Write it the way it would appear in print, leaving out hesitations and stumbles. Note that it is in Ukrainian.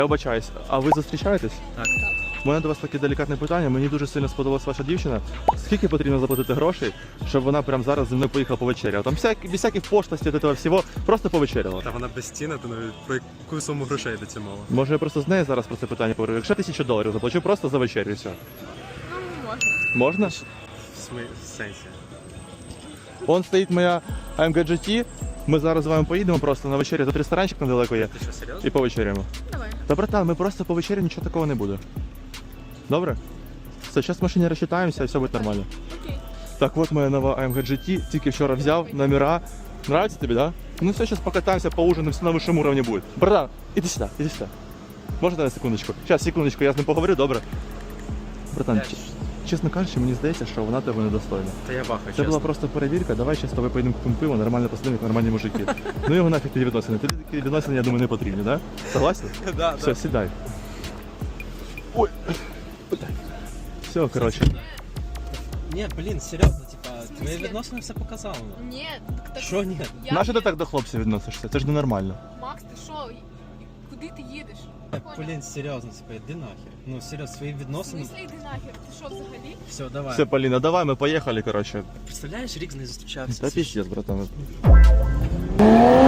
Я вибачаюсь, а ви зустрічаєтесь? Так. У мене до вас таке делікатне питання. Мені дуже сильно сподобалась ваша дівчина. Скільки потрібно заплатити грошей, щоб вона прямо зараз зі мною поїхала повечеряла? Там без всяких пошлостей, від цього всього, просто повечеряла. Та вона без ціни, то навіть про яку суму грошей йдеться мова. Може я просто з нею зараз про це питання поговорю? Якщо $1000 заплачу просто за вечерю і все. Ну, можна. Можна? В сенсі. Вон стоїть моя AMG GT. Ми зараз з вами поїдемо просто на вечерю. Тут ресторанчик недалеко є. Ти що, серйозно? І повечеряємо. Давай. Та, братан, ми просто по вечері, нічого такого не буде. Добре? Все, зараз в машині розчитаємося і все буде нормально. Окей. Так, от моя нова AMG GT, тільки вчора взяв, номера. Нравится тебе, да? Ну все, сейчас покатаемся, поужинаем, все на высшем уровне будет. Братан, иди сюда, иди сюда. Можно на секундочку? Сейчас, секундочку, я з ним поговорю, добре? Братан, чесно кажучи, мені здається, що вона тебе недостойна. Та я бахаю, Це чесно. була просто перевірка, давай ще з тобою поїдемо купимо пиво, нормально посидимо, як нормальні мужики. Ну його нафіг ті відносини. Тобі такі відносини, я думаю, не потрібні, да? Согласен? Да, Все, сідай. Ой. Все, короче. Ні, блін, серйозно, типа, твої відносини все показало. Ні, так... Що ні? Нащо ти так до хлопців відносишся? Це ж ненормально. Макс, ти що? Куди ти їдеш? Блін, серйозно, типа, іди нахер. Ну, серйозно, свої В відносини. смислі йди нахер? Ти що взагалі? Все, давай. Все, Поліна, давай, ми поїхали, короче. Представляєш, рік з нею зустрічався. Та пиздец, братан.